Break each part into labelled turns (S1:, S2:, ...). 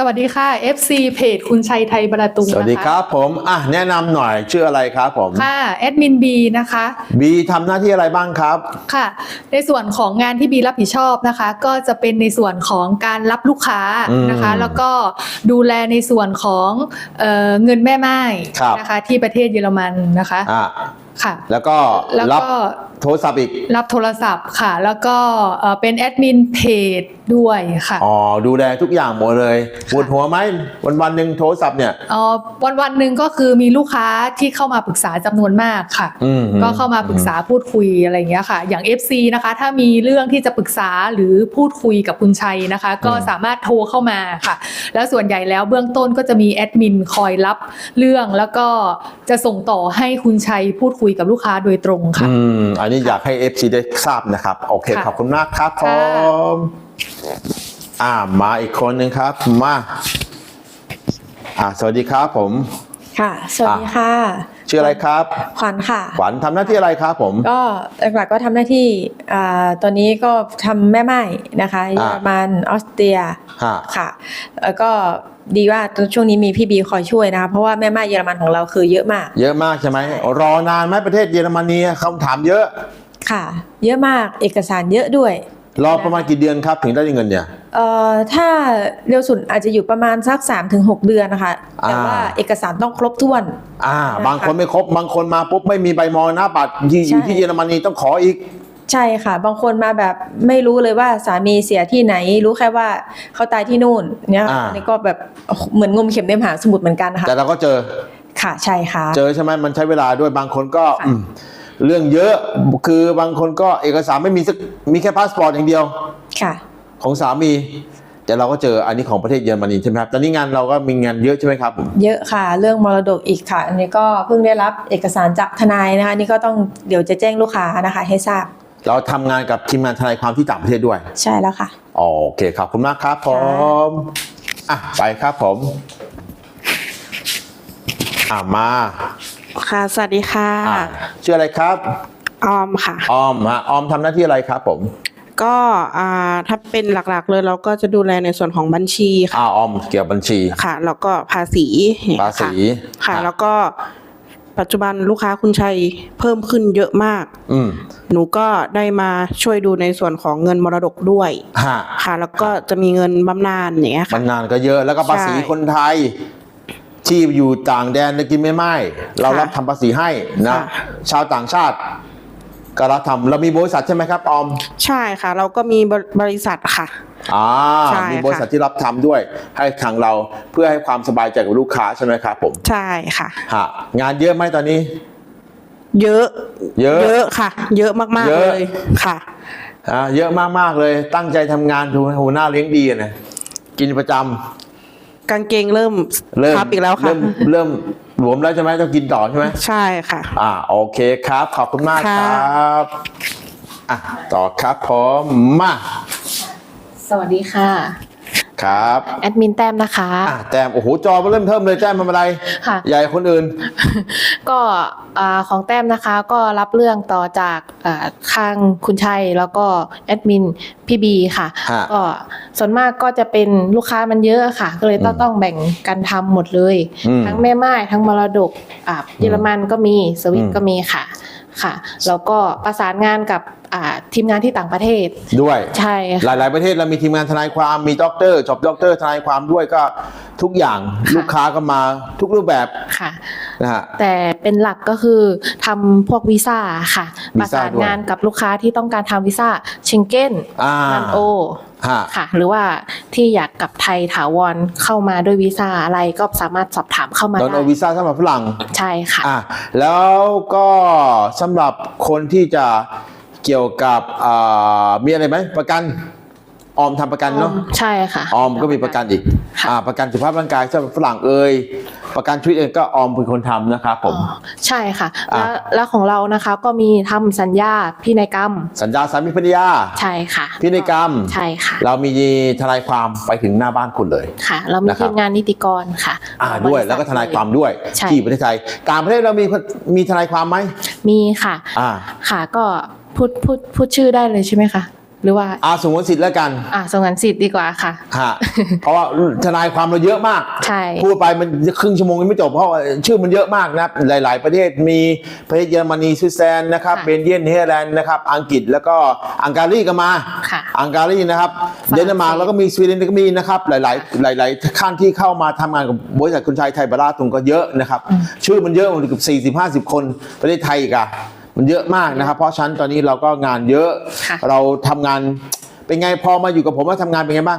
S1: วัสดีค่ะ FC เพจคุณชัยไทยประตูนะคะ
S2: สวัสดีครับผมแนะนำหน่อยชื่ออะไรครับผม
S1: ค่ะแอดมินบีนะคะ
S2: บีทำหน้าที่อะไรบ้างครับ
S1: ค่ะในส่วนของงานที่บีรับผิดชอบนะคะก็จะเป็นในส่วนของการรับลูกค้านะคะแล้วก็ดูแลในส่วนของเงินแม่ไม้นะคะที่ประเทศเยอรมันนะคะค่ะ
S2: แล้วก็รับโทรศัพท์อีก
S1: รับโทรศัพท์ค่ะแล้วก็เป็นแอดมินเพจด้วยค่ะ
S2: ดูแลทุกอย่างหมดเลยปวดหัวไหมวันหนึ่งโทรศัพท์เนี่ย
S1: วันหนึ่งก็คือมีลูกค้าที่เข้ามาปรึกษาจำนวนมากค่ะก็เข้ามาปรึกษาพูดคุยอะไรอย่างเงี้ยค่ะอย่าง FC นะคะถ้ามีเรื่องที่จะปรึกษาหรือพูดคุยกับคุณชัยนะคะก็สามารถโทรเข้ามาค่ะแล้วส่วนใหญ่แล้วเบื้องต้นก็จะมีแอดมินคอยรับเรื่องแล้วก็จะส่งต่อให้คุณชัยพูดคุยกับลูกค้าโดยตรงค่ะ
S2: อันนี้อยากให้ FC ได้ทราบนะครับโอเคขอบคุณมากครับผมมาอีกคนหนึ่งครับมาสวัสดีครับผม
S3: ค่ะสวัสดีค่ะ
S2: ชื่ออะไรครับ
S3: ขวัญค่ะ
S2: ขวัญทำหน้าที่อะไรครับผม
S3: ก็หลักๆก็ทำหน้าที่ตอนนี้ก็ทำแม่ไม้นะคะเยอรมันออสเตรียค่ะแล้วก็ดีว่าช่วงนี้มีพี่บีคอยช่วยนะคะเพราะว่าแม่ไม้เยอรมันของเราคือเยอะมาก
S2: ใช่ไหมรอนานไหมประเทศเยอรมนีคำถามเยอะ
S3: ค่ะเยอะมากเอกสารเยอะด้วย
S2: รอประมาณกี่เดือนครับถึงได้เงินเนี่ย
S3: ถ้าเร็วสุดอาจจะอยู่ประมาณสัก 3-6 เดือนนะคะแต่ว่าเอกสารต้องครบถ้วน
S2: บางคนไม่ครบบางคนมาปุ๊บไม่มีใบมรณบัตรอยู่ที่เยอรมนีต้องขออีก
S3: ใช่ค่ะบางคนมาแบบไม่รู้เลยว่าสามีเสียที่ไหนรู้แค่ว่าเขาตายที่นู่นเนี่ยอันนี้ก็แบบเหมือนงมเข็มในมหาสมุทรเหมือนกันค่ะ
S2: แต่เราก็เจอ
S3: ค่ะใช่ค่ะ
S2: เจอใช่ไหมมันใช้เวลาด้วยบางคนก็เรื่องเยอะคือบางคนก็เอกสารไม่มีสักมีแค่พาสปอร์ตอย่างเดียว
S3: ค่ะ
S2: ของสามีแต่เราก็เจออันนี้ของประเทศเยอรมนีใช่ไหมครับตอนนี้งานเราก็มีงานเยอะใช่ไหมครับ
S3: เยอะค่ะเรื่องมรดกอีกค่ะอันนี้ก็เพิ่งได้รับเอกสารจากทนายนะคะนี่ก็ต้องเดี๋ยวจะแจ้งลูกค้านะคะให้ทราบ
S2: เราทำงานกับทีมงานทนายความที่ต่างประเทศด้วย
S3: ใช่แล้วค่ะ
S2: โอเคขอบคุณมากครับผมไปครับผมมา
S4: ค่ะสวัสดีค่ะ
S2: ชื่ออะไรครับ
S4: ออมค่ะ
S2: ออมทำหน้าที่อะไรครับผม
S4: ก็ถ้าเป็นหลักๆเลยเราก็จะดูแลในส่วนของบัญชีค่ะ
S2: ออมเกี่ยวกับบัญชี
S4: ค่ะแล้วก็ภาษีค่ะแล้วก็ปัจจุบันลูกค้าคุณชัยเพิ่มขึ้นเยอะมากหนูก็ได้มาช่วยดูในส่วนของเงินมรดกด้วยค่ะแล้วก็จะมีเงินบำนาญอย่างเงี้ยค่ะ
S2: บำนาญก็เยอะแล้วก็ภาษีคนไทยที่อยู่ต่างแดนกินไม่เรารับทำภาษีให้นะชาวต่างชาติก็รับทำเรามีบริษัทใช่ไหมครับออม
S4: ใช่ค่ะเราก็มีบริษัทค่ะ
S2: มีบริษัทที่รับทำด้วยให้ทางเราเพื่อให้ความสบายใจกับลูกค้าใช่ไหมครับผม
S4: ใช่ค่ะ
S2: งานเยอะไหมตอนนี้
S4: เยอะค่ะเยอะมากๆเลยค่ะ
S2: เยอะมากๆเลยตั้งใจทำงานดูหัวหน้าเลี้ยงดีนะกินประจำ
S4: กางเกงเริ่มพับอีกแล้วค่ะ
S2: เริ่มหลวมแล้วใช่ไหมต้องกินต่อใช่ไหม
S4: ใช่ค่ะ
S2: โอเคครับขอบคุณมากครับต่อครับผมมา
S5: สวัสดีค่ะ
S2: ครับ
S5: แอดมินแต้มนะคะ
S2: แต้มโอ้โหจอเริ่มเทิมเลยแต้มทำอะไร
S5: ค่ะ
S2: ใหญ่คนอื่น
S5: ก็ของแต้มนะคะก็รับเรื่องต่อจากข้างคุณชัยแล้วก็แอดมินพี่บีค่ะก็ส่วนมากก็จะเป็นลูกค้ามันเยอะค่ะก็เลยต้องแบ่งกันทำหมดเลยทั้งแม่ไม้ทั้งมรดกเยอรมันก็มีสวิตก็มีค่ะแล้วก็ประสานงานกับทีมงานที่ต่างประเทศ
S2: ด้วย
S5: ใช่
S2: หลายประเทศเรามีทีมงานทนายความมีด็อกเตอร์จบด็อกเตอร์ทนายความด้วยก็ทุกอย่างลูกค้าก็มาทุกรูปแบบ
S5: ค่ะแต่เป็นหลักก็คือทำพวกวีซ่าค่ะประสานงานกับลูกค้าที่ต้องการทำวีซ่าเชงเก้นนันโอค่ะหรือว่าที่อยากกลับไทยถาวรเข้ามาด้วยวีซ่าอะไรก็สามารถสอบถามเข้ามาได้
S2: โดนวีซ่าสำหรับฝรั่ง
S5: ใช่ค่ะ
S2: แล้วก็สำหรับคนที่จะเกี่ยวกับมีอะไรไหมประกันออมทำประกันเนาะ
S5: ใช่ค่ะ
S2: ออมก็มีประกันอีกประกันสุขภาพร่างกายสำหรับฝรั่งประกันชีวิตเองก็ออมเป็นคนทำนะครับผม
S5: ใช่ค่ะแล้วของเรานะคะก็มีทำสัญญาพินัยกรรม
S2: สัญญาสามีภรรยา
S5: ใช่ค่ะ
S2: พินัยกรรม
S5: ใช่ค่ะ
S2: เรามีทนายความไปถึงหน้าบ้านคุณเลย
S5: ค่ะเรามีทีมงานนิติกรค่ะ
S2: ด้วยแล้วก็ทนายความด้วยที่ประเทศไทยต่างประเทศเรามีทนายความไหม
S5: มีค่ะค่ะก็พูดชื่อได้เลยใช่ไหมคะหรือว่า
S2: สงวนสิทธิ์แล้วกัน
S5: สงวนสิทธิ์ดีกว่าค่ะ
S2: เพราะว่าทนายความเราเยอะมาก
S5: ใช่
S2: พูดไปมันครึ่งชั่วโมงยังไม่จบเพราะชื่อมันเยอะมากนะหลายๆประเทศมีประเทศเยอรมนีสวิตเซอร์แลนด์นะครับเบลเยียมเนเธอร์แลนด์นะครับอังกฤษแล้วก็อังการีก็มาอังการีนะครับเดนมาร์กแล้วก็มีสวีเดนก็มีนะครับหลายขั้นที่เข้ามาทำงานกับบริษัทคุณชัยไทยบาราตุงก็เยอะนะครับชื่อมันเยอะมันเกือบ40-50 คนประเทศไทยอีกมันเยอะมากนะครับเพราะฉะนั้นตอนนี้เราก็งานเยอะเราทำงานเป็นไงพอมาอยู่กับผมว่าทำงานเป็นไงบ้าง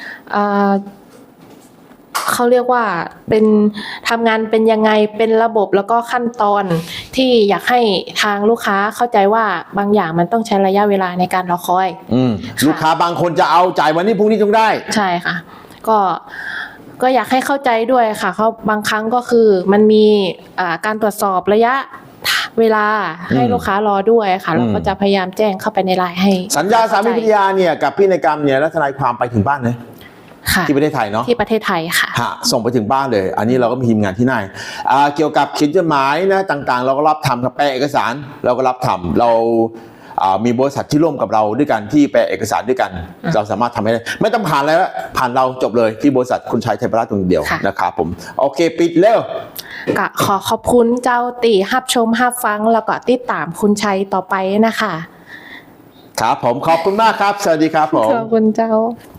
S5: เขาเรียกว่าเป็นทำงานเป็นยังไงเป็นระบบแล้วก็ขั้นตอนที่อยากให้ทางลูกค้าเข้าใจว่าบางอย่างมันต้องใช้ระยะเวลาในการรอคอย
S2: ลูกค้าบางคนจะเอาจ่ายวันนี้พรุ่งนี้ต้องได้
S5: ใช่ค่ะก็อยากให้เข้าใจด้วยค่ะเขาบางครั้งก็คือมันมีการตรวจสอบระยะเวลาให้ลูกค้ารอด้วยค่ะเราก็จะพยายามแจ้งเข้าไปในไลน์ให้
S2: สัญญาสามีภรรยาเนี่ยกับพินัยกรรมเนี่ยและทนายความไปถึงบ้านเลยที่ประเทศไทยเนาะ
S5: ที่ประเทศไทยค่ะ
S2: ส่งไปถึงบ้านเลยอันนี้เราก็มีทีมงานที่นั่นเกี่ยวกับเขียนจดหมายนะต่างๆเราก็รับทำกับแปลเอกสารเราก็รับทำเรามีบริษัทที่ร่วมกับเราด้วยกันที่แปลเอกสารด้วยกันเราสามารถทำให้ได้ไม่ต้องผ่านอะไรแล้วผ่านเราจบเลยที่บริษัทคุณชัยไทยบาราตุงเดียวนะครับผมโอเคปิดเร็ว
S5: ก็ขอขอบคุณเจ้าตีฮับชมฮับฟังแล้วก็ติดตามคุณชัยต่อไปนะคะ
S2: ครับผมขอบคุณมากครับสวัสดีครับผม
S5: ขอบคุณเจ้า